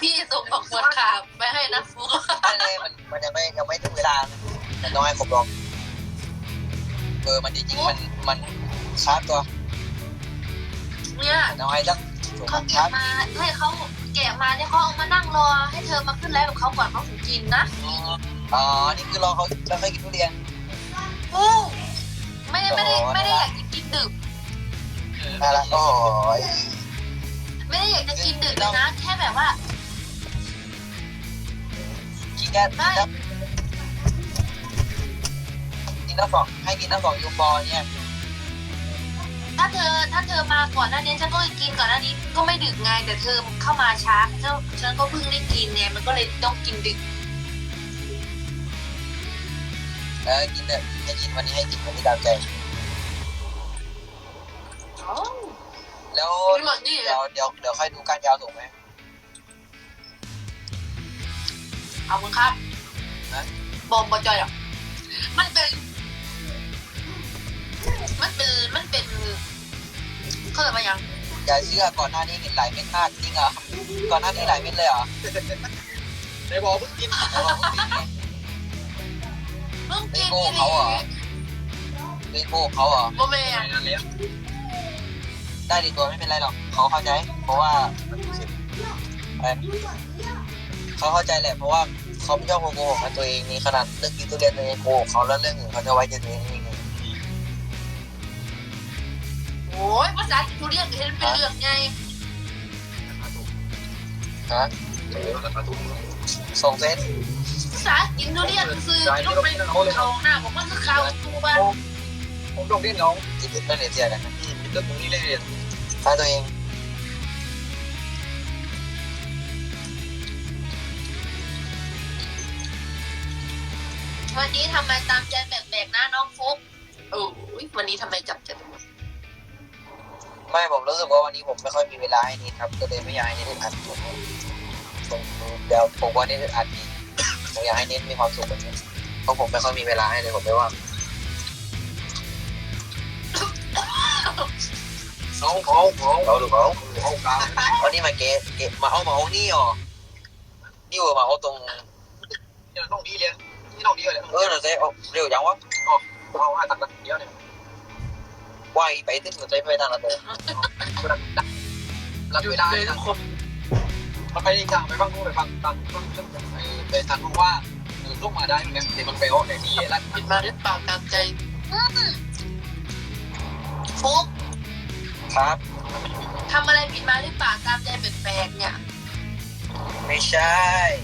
พี่ส่งบอกหมดขาไปให้นะฟุกอะไรมันยังไม่ถึงเวลามันต้องให้ครบรอบมันจริงๆมันชาร์จตัวเนี่ยน้อยจังเขาเก็บมาให้เขาแกะมาเนี่ยเขาเอามานั่งรอให้เธอมาขึ้นไลฟ์กับเขาก่อนเขาถึงกินนะอ๋อนี่คือรอเขาแล้วค่อยกินทุเรียนไม่ได้อยากจะกินดึกน่ารักโอ้ยไม่ได้อยากจะกินดึกเลยนะแค่แบบว่ากินแค่กินน้ำฟองให้กินน้ำฟองยูบอลเนี่ยถ้าเธอมาก่อนหน้านี้ฉันก็กินก่อนหน้านี้ก็ไม่ดึกไงแต่เธอเข้ามาช้าฉันก็เพิ่งได้กินไงมันก็เลยต้องกินดึกกินเถอะให้กินวันนี้ให้กินวันนี้ตามใจแล้วเดี๋ยวค่อยดูการยาวถูกไหมเอามึงครับบอมบอจอยอ่ะมันเป็นเขาเรียกว่ายังอย่าเชื่อก่อนหน้านี้เห็นหลายเม็ดมากจริงเหรอก่อนหน้านี้หลายเม็ดเลยเหรอในบอกเพิ่งกินเพิ่งกินโก้เขาเหรอเล่นโก้เขาเหรอโมเมนได้ดีตัวไม่เป็นไรหรอกเขาเข้าใจเพราะว่าเขาเข้าใจแหละเพราะว่าเขาไม่ชอบโกหกกับตัวเองนี่ขนาดเรื่องกินทุเรียนตัวเองโกหกเขาแล้วเรื่องอื่นเขาจะไว้ใจตัวเองยังไงโอ้ยภาษาทุเรียนเห็นเป็นเรื่องไงฮะส่งเฟซภาษากินทุเรียนคือต้องไปเขาหน้าผมมันคือข่าวตัวบ้านผมต้องเรียนน้องจิตวิทย์ไม่เรียนเสียกันนะเรื่องตรงนี้เลยถ้าตัวเองวันนี้ทำไมตามใจแบกๆนะน้องฟุ๊กโอ้ยวันนี้ทำไมจับใจไม่ผมรู้สึกว่าวันนี้ผมไม่ค่อยมีเวลาให้นิดครับก็เลยไม่อยากให้นิดอัดผมเดี๋ยวผมว่านิดอัดดีผมอยากให้นิดมีความสุขแบบนี้เพราะผมไม่ค่อยมีเวลาให้เลยผมไม่ว่างเขาดูเขากลางวันนี้มาเกะมาเอานี่หรอนี่เวอร์มาเอาตรงนี่น้องดีเลยนี่น้องดีเลยเราจะเอาเร็วจังวะเอาให้ตัดเดียวเนี่ยว่ายไปตึ้งหัวใจไปทางละเตอรับเวลาทุกคนมันไปอีกทางไปฟังนู้นไปฟังทางไปทางนู้นว่าลูกมาได้เนี่ยเดี๋ยวมันไปโอ้ในที่รัดปิดมาหรือเปล่าตามใจฟุ๊กครับทำอะไรผิดมาหรือเปล่าตามใจแปลกๆเนี่ยไม่ใช่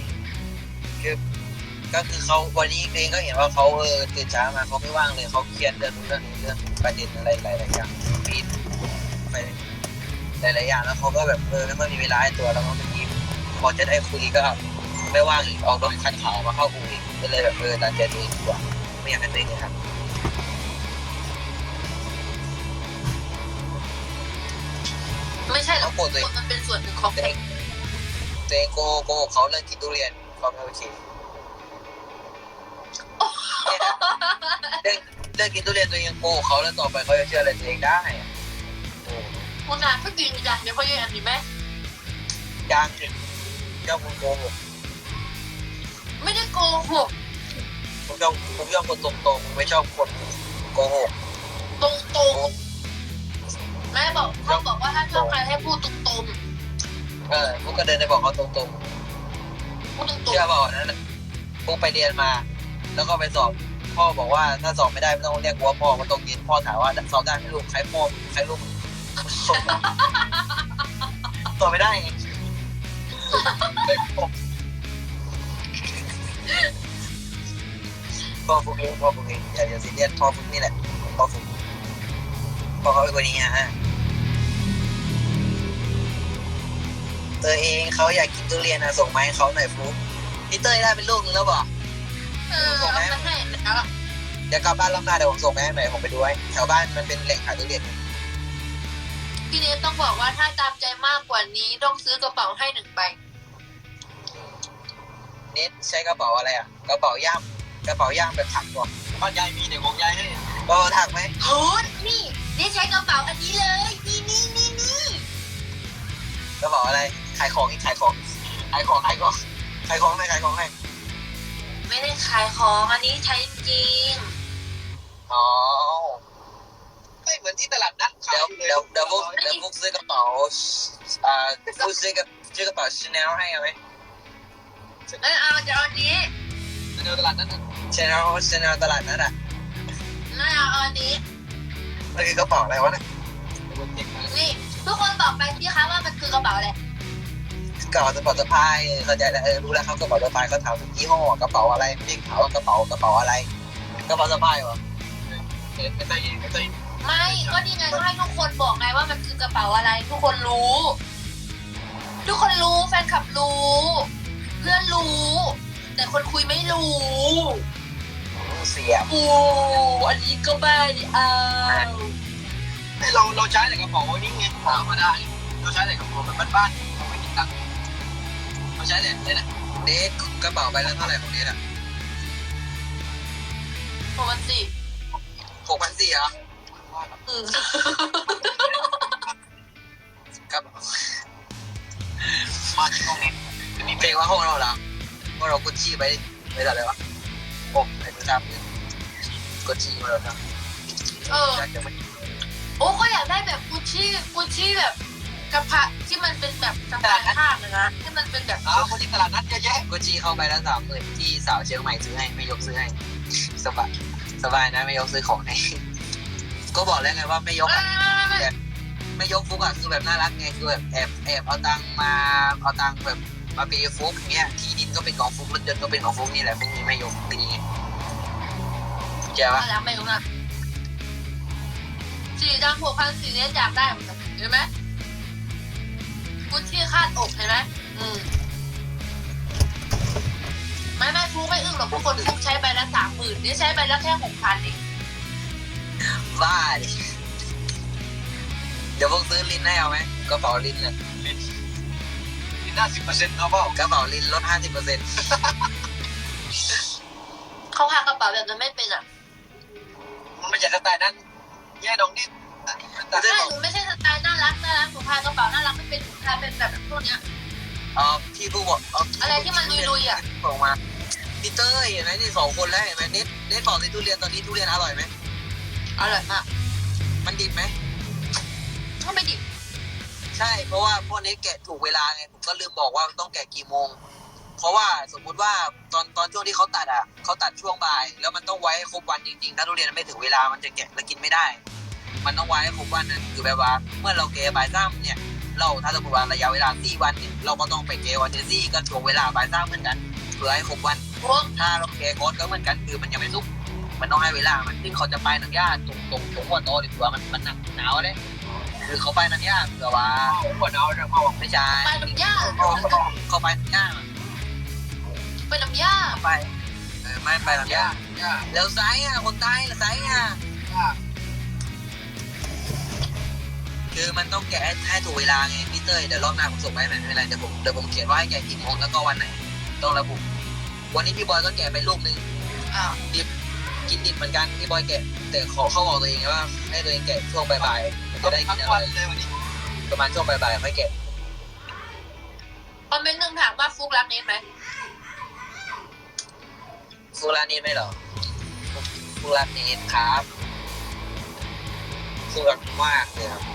ก็คือเขาวันนี้เองก็เห็นว่าเขาตื่นเช้ามาเขาไม่ว่างเลยเขาเครียดเรื่องนี้เรื่องประเด็นอะไรหลายๆอย่างปีนไปหลายๆอย่างแล้วเขาก็แบบไม่ค่อยมีเวลาให้ตัวแล้วก็บางทีพอจะได้คุยก็ไม่ว่างอีกออกรถคันขาวมาเข้าคุยก็เลยแบบตามใจตัวเองดีกว่าไม่อยากให้ตัวเองเลยครับไม่ใช่หรอกมันเป็นส่วนหนึ่งของเด็กตัวเองโกเขาเรื่องกินทุเรียนเขาไม่โอเคเรื่องกินทุเรียนตัวเองโกเขาแล้วต่อไปเขาจะเชื่ออะไรตัวเองได้คุณนายก็จริงจ้ะเดี๋ยวเขาแย่กันดีไหมยังเจ้าคุณโกหกไม่ได้โกหกผมชอบคนตรงๆไม่ชอบคนโกหกตรงๆแม่บอกเขาบอกว่าถ้าชอบใครให้พูดตรงพวกก็เดินไปบอกเขาตรงๆพูดตรงๆเชื่อเปล่านั้นพวกไปเรียนมา แล้วก็ไปสอบพ่อบอกว่าถ้าสอบไม่ได้ไม่ต้องเรียกว่าพ่อมาตรงเย็นพ่อถามว่าสอบได้ให้ลูกใครพ่อใครลูกสอบไม่ได้ไงพ่อฟุกเองอย่าซีเรียสพ่อฟุกนี่แหละพ่อฟุกพ่อเขาเป็นคนนี้ฮะตัวเองเขาอยากกินทุเรียนนะส่งมาให้เขาหน่อยฟุกพี่เต้ยได้เป็นลูกนึงแล้วเปล่าๆเอาไปให้แล้วเดี๋ยวกลับบ้านรอบหน้าเดี๋ยวผมส่งไปให้หน่อยผมไปดูไว้แถวบ้านมันเป็นแหล่งขายทุเรียนพี่เนทต้องบอกว่าถ้าตามใจมากกว่านี้ต้องซื้อกระเป๋าให้1 ใบเน็ตใช้กระเป๋าอะไรอ่ะกระเป๋าย่ามแบบถักก่อนบ้านยายมีเด็กของยายให้ก็ถักไหมโหนี่ใช้กระเป๋าอันนี้เลยนี่กระเป๋าอะไรขายของขายของขายของให้ขายของให้ไม่ได้ขายของอันนี้ใช้จริงอ๋อไม่เหมือนที่ตลาดนัดขายเดี๋ยวเลยเดี๋ยวพวกซื้อกระเป๋าพวกซื้อกระเป๋าชาแนลให้เอาไหมไม่เอาจะเอาอันนี้เดี๋ยวตลาดนัดชาแนลตลาดนั้นอ่ะไม่เอาอันนี้มันคือกระเป๋าอะไรวะเนี่ยนี่ทุกคนบอกไปพี่คะว่ามันคือกระเป๋าอะไรกระเป๋าสปอร์ตสะพายเข้าใจแล้วรู้แล้วครับกระเป๋าสะพายเขาถามถึงยี่ห้อกระเป๋าอะไรไม่ถามว่ากระเป๋าอะไรกระเป๋าสะพายวะไอ้ไต้ไม่ก็นี่ไงก็ให้ทุกคนบอกไงว่ามันคือกระเป๋าอะไร ทุกคนรู้ ทุกคนรู้แฟนคลับรู้ เพื่อนรู้ แต่คนคุยไม่รู้เสียบอูอันนี้ก็ไม่เอาเราใช้แต่กระเป๋านี่ไงธรรมดาเราใช้แต่กระเป๋าแบบบ้านๆเราไม่ติดตังค์เราใช้แต่เลยนะเนทกระเป๋าใบละเท่าไหร่ของเนทอ่ะปกติ 6,400เหรออืมครับมาที่ตรงนี้เพลงว่าห้องเราเหรอว่าเรากดชี้ไปอะไรวะผมไอ้ประจำกดชี้มาแล้วครับเออ โอ้ก็อยากได้แบบกุชชี่แบบกระเพาะที่มันเป็นแบบสะพายข้างนะที่มันเป็นแบบคนที่ตลาดนัดเยอะแยะกดชี้เข้าไปแล้ว30,000ที่สาวเชียงใหม่ซื้อให้ไม่ยกซื้อให้สบายนะไม่ยกซื้อของให้ก็บอกแล้วไงว่าไม่ยก ไม่ยกฟุกอ่ะคือแบบน่ารักไงคือแบบแอบเอาตังแบบมาเปย์ฟุกเงี้ยที่ดินก็เป็นของฟุกรถยนต์ก็เป็นของฟุกนี่แหละฟุกนี้ไม่ยกตีไงเจ้าแล้วไม่รู้นะ4,600เนี่ยอยากได้เหมือนกันเห็นไหมกุชชี่คาดอกเห็นไหมไม่ฟูไม่อึ้งหรอกทุกคนฟูใช้ใบละ30,000นี่ใช้ใบละแค่6,000เองบ้าดิเดี๋ยวพวกซื้อลิ้นให้เอาไหมกระเป๋าลิ้นเนี่ยมีหน้า10%เอาเปล่ากระเป๋าลิ้นลด 50% เขาหากระเป๋าแบบนั้นไม่เป็นอ่ะมันไม่ใช่สไตล์นั้นแย่น้องนี่ใช่หนูไม่ใช่สไตล์น่ารักหนูพายกระเป๋าน่ารักไม่เป็นหนูพายเป็นแบบพวกเนี้ยพี่ผู้บอกอะไรที่มันลุยๆอ่ะบอกมาพี่เต้ยเห็นไหมนี่2 คนแล้วเห็นไหมเน็ตบอกสิทุเรียนตอนนี้ทุเรียนอร่อยไหมอร่อยมากมันดิบไหมก็ไม่ดิบใช่เพราะว่าพวกนี้แกะถูกเวลาไงผมก็ลืมบอกว่าต้องแกะกี่โมง เพราะว่าสมมุติว่าตอนช่วงที่เขาตัดช่วงบ่ายแล้วมันต้องไว้ให้ครบวันจริงๆถ้าทุเรียนไม่ถึงเวลามันจะแกะแล้วกินไม่ได้ มันต้องไว้ให้ครบวันนั้นคือแบบว่าเมื่อเราแกะบ่าย3เนี่ยเราถ้าสมมติว่าระยะเวลา4 วันเนี่ยเราก็ต้องไปแกะวันที่4ก็ช่วงเวลาบ่าย3เหมือนกันเพื่อให้ครบวันพวกถ้าเราแกะก่อนก็เหมือนกันคือมันยังไม่สุกมันต้องให้เวลามันซึ่งเขาจะไปหนังหญ้าตรงหัวโตดีกว่ามันหนาวเลยคือเขาไปหนังหญ้าเผื่อว่าหัวดาวจะเข้าไม่ใช่ไปน้ำยาเขาไปหนังหญ้าไปน้ำยาไปไม่ไปหนังหญ้าย่าแล้วไซส์คนใต้แล้วไซส์คือมันต้องแกะให้ถูกเวลาไงพี่เต้ยเดี๋ยวรอบหน้าผมส่งไปไม่เป็นไรเดี๋ยวผมเขียนว่าให้แกะกี่โมงแล้วก็วันไหนต้องระบุวันนี้พี่บอยก็แกะไปลูกนึงอ้าวกินดิบเหมือนกันพี่บอยแกะแต่เขาบอกตัวเองว่าให้ตัวเองแกะช่วงบ่ายๆมันจะได้กิทั้นงอะไรวันเลยวันนี้ประมาณช่วงบ่ายๆค่อยแกะคอมเมนต์หนึ่งถามว่าฟุกรักเนทไหมฟูรานีไหมเหรอฟูรานีครับฟูรักมากเลยครับ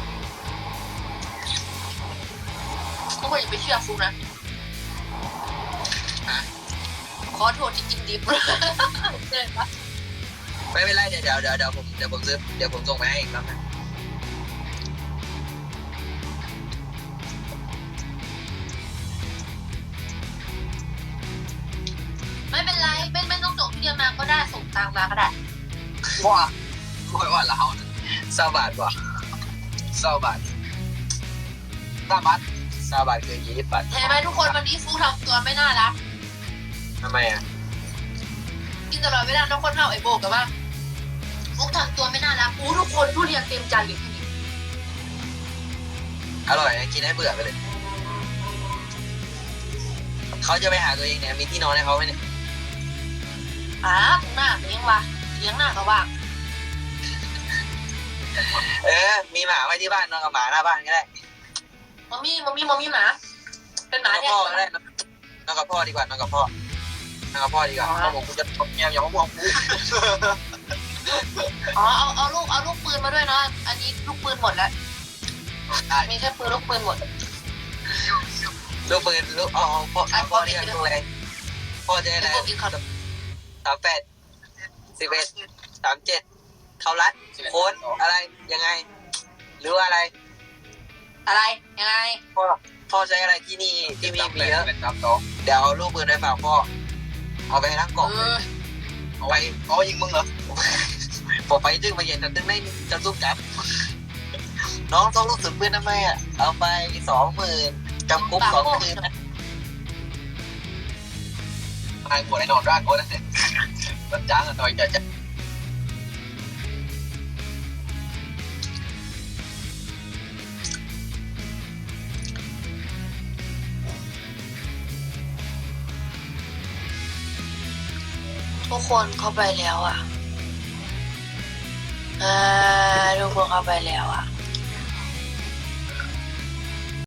ทุกคนอย่าไปเชื่อฟุกนะฮะขอโทษที่กินดิบเลยปะไม่เป็นไรเดี๋ยวผมซื้อเดี๋ยวผมส่งไปให้อีกแล้วนะไม่เป็นไรไม่ต้องส่งทุเรียนมาก็ได้ส่งตังมาก็ได้ว่าว่าเรา 20 บาทว่ะ20 บาท 20 บาทคือ20 บาทเห็นไหมทุกคนวันนี้ฟุกทำตัวไม่น่ารักทำไมอ่ะกินตลอดเวลาทุกคนเท่าไอ้โบกับว่าฟุกทำตัวไม่น่ารักอู้ทุกคนทุเรียนเต็มจานอยู่ที่นี่อร่อยนะกินให้เบื่อไปเลยเขาจะไปหาตัวเองเนี่ยมีที่นอนให้เขาไหมเนี่ยตรงหน้าเลี้ยงวะเลี้ยงหน้าก็ว่างมีหมาไว้ที่บ้านนอนกับหมาหน้าบ้านก็ได้มัมมี่หมาเป็นหมากับเนี่ยพ่อก็ได้นอนกับพ่อดีกว่านอนกับพ่อนอนกับพ่อดีกว่าพ่อบอกกูจะเมียอย่ามาบอกกูอ๋อเอาลูกปืนมาด้วยนะอันนี้ลูกปืนหมดแล้วได้มีแค่ปืนลูกปืนหมดลูกปืนลูกพ่อเรียกลูกอะไรพ่อจะได้อะไรพวกกินข้าว 38 11 37เขารัดโค้ดอะไรยังไง หรือว่าอะไรอะไรยังไงพ่อใช้อะไรที่นี่ที่มีเยอะเป็นครับน้องเดี๋ยวเอาลูกปืนไปฝากพ่อเอาไปทั้งกล่องเอาไปเอายิงมึงเหรอบอกไปดึงมาเย็นแต่ดึงได้จะสู้กับน้องต้องลูกสุดปืนทำไมอ่ะเอาไป20,000จำคุก2 คืนนะตายปวดไอ้นอนร่างก็ได้มันจ้างกันหน่อยจะทุกคนเข้าไปแล้วอ่ะทุกคนเข้าไปแล้วอ่ะ